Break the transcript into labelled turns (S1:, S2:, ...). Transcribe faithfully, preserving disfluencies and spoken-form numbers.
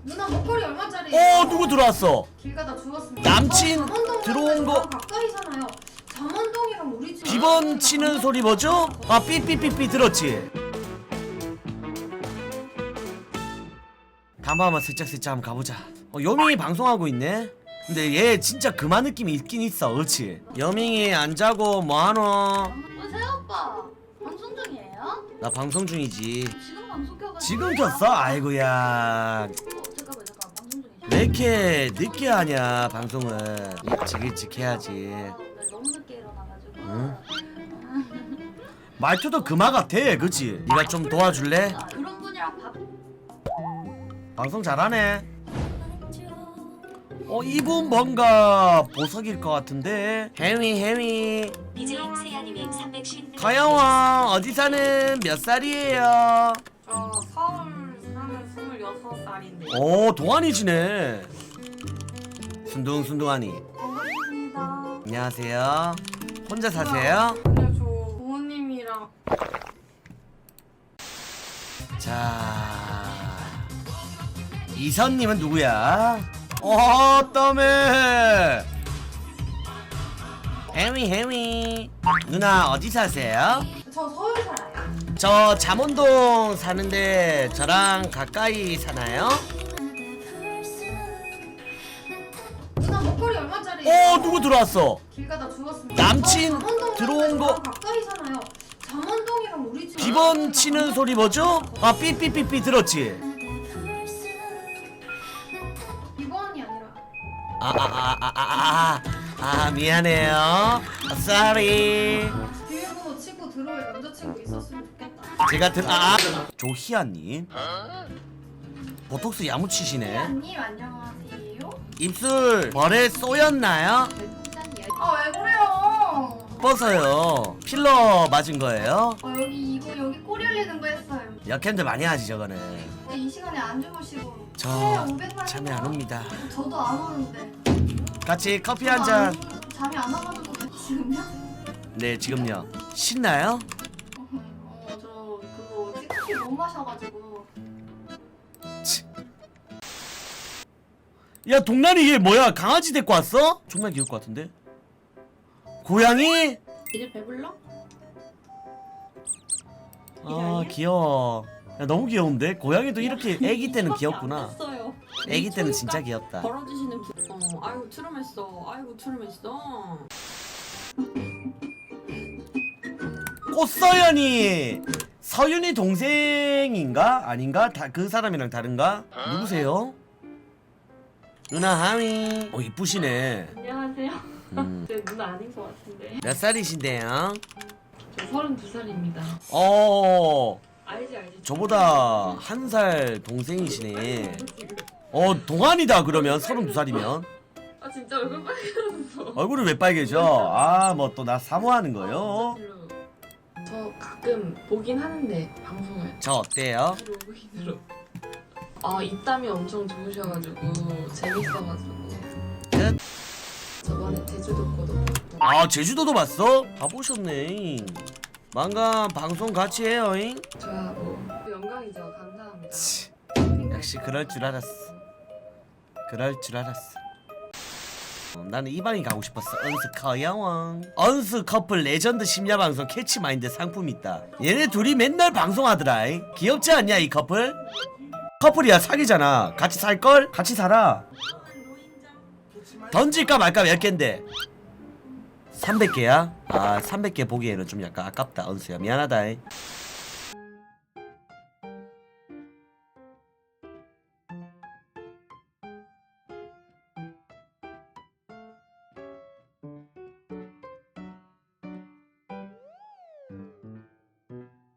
S1: 누나 목걸이 얼마짜리?
S2: 어 누구 들어왔어?
S1: 길 가다 주웠습니다.
S2: 남친
S1: 어, 잠원동
S2: 들어온 거.
S1: 가까이 사나요? 잠원동이랑 우리 집
S2: 비번 치는 소리 뭐죠? 아 삐삐삐삐 들었지? 담아 한번 슬쩍슬쩍 한번 가보자. 어, 여밍이 방송하고 있네? 근데 얘 진짜 그만 느낌이 있긴 있어. 그렇지? 여밍이 안 자고 뭐하노?
S1: 어, 새오빠 방송 중이에요?
S2: 나 방송 중이지.
S1: 지금 방송 켜가지고
S2: 지금 켰어? 아이고야.
S1: 어, 잠깐만 잠깐 방송 중이죠?
S2: 왜 이렇게 늦게 하냐 방송을. 일찍 일찍 해야지.
S1: 아, 네, 너무 늦게 일어나가지고
S2: 응? 말투도 그마 같아. 그치? 네가 좀 도와줄래?
S1: 아, 그런 분이랑 밥
S2: 방송 잘하네. 어 이분 뭔가 보석일 것 같은데. 해미 해미
S3: 디제이 세아님이 삼백십
S2: 가영아 어디 사는 몇 살이에요?
S4: 저 서울 사는 스물여섯 살인데.
S2: 오 동안이시네. 순둥순둥하니.
S4: 반갑습니다.
S2: 안녕하세요. 혼자 사세요?
S4: 아니요, 저 부모님이랑.
S2: 자 이선님은 누구야? 어 땀에 해미 해미 누나 어디 사세요?
S1: 저 서울 살아요.
S2: 저 잠원동 사는데 저랑 가까이 사나요?
S1: 누나 목걸이 얼마짜리?
S2: 어 누구 들어왔어?
S1: 길 가다 주웠습니다.
S2: 남친
S1: 어, 잠원동
S2: 들어온 거.
S1: 가까이 사나요? 잠원동이랑 우리 집
S2: 비번 치는 소리 뭐죠? 아 삐삐삐삐 들었지?
S1: 비번이 아니라
S2: 아 아 아 아 아 아 미안해요. sorry.
S1: 비밀번호 치고 들어올 남자친구 있었으면 좋겠다.
S2: 제가 들 아 조희아님 보톡스 야무치시네.
S1: 님 안녕하세요.
S2: 입술 벌에 쏘였나요?
S1: 아 왜 그래요?
S2: 뻗어요. 필러 맞은 거예요?
S1: 아 여기 이거 여기 꼬리 흘리는 거 했어요.
S2: 역캠들 많이 하지 저거는.
S1: 근데 이 시간에 안 주무시고
S2: 저
S1: 네, 오백만
S2: 잠이 안 옵니다.
S1: 저도 안 오는데
S2: 같이 커피
S1: 저도
S2: 한 잔.
S1: 안- 잠이 안 와가지고 지금요?
S2: 네 지금요. 신나요?
S1: 어저 그거 찌꺼기 못 마셔가지고
S2: 야 동란이 얘 뭐야? 강아지 데리고 왔어? 정말 귀여울 것 같은데? 고양이?
S4: 이제 배불러?
S2: 아 귀여워. 야 너무 귀여운데? 고양이도 이렇게 애기 때는 귀엽구나. 애기 때는 진짜 귀엽다.
S4: 벌어주시는 분. 어, 아이고 트름했어. 아이고 트름했어.
S2: 꽃서연이 서윤이 동생인가? 아닌가? 다 그 사람이랑 다른가? 누구세요? 누나 하미. 어 이쁘시네.
S4: 안녕하세요.
S2: 음.
S4: 제 누나 아닌 것 같은데.
S2: 몇 살이신데요?
S4: 저 서른두 살입니다.
S2: 어
S4: 알지 알지.
S2: 저보다 한 살 동생이시네. 어 동안이다 그러면 서른두 살이면.
S4: 아 진짜 얼굴 빨개졌어.
S2: 얼굴이 왜 빨개져? 아 뭐 또 나 사모하는 거요?
S4: 저 가끔 보긴 하는데 방송을.
S2: 저 어때요?
S4: 로그인으로. 아 입담이 엄청 좋으셔가지고 재밌어가지고.
S2: 끝.
S4: 저번에 제주도 거도 봤고.
S2: 아 제주도도 봤어? 가보셨네. 망가 방송 같이 해요잉?
S4: 저하고 영광이죠. 감사합니다.
S2: 치, 역시 그럴 줄 알았어. 그럴 줄 알았어. 어, 나는 이 방에 가고 싶었어. 언스 커야왕. 언스 커플 레전드 심야 방송 캐치마인드 상품 있다. 얘네 둘이 맨날 방송하더라. 이. 귀엽지 않냐 이 커플? 커플이야 사귀잖아. 같이 살걸? 같이 살아. 던질까 말까 몇 갠데? 삼백 개야? 아 삼백 개 보기에는 좀 약간 아깝다 언수야. 미안하다. 이.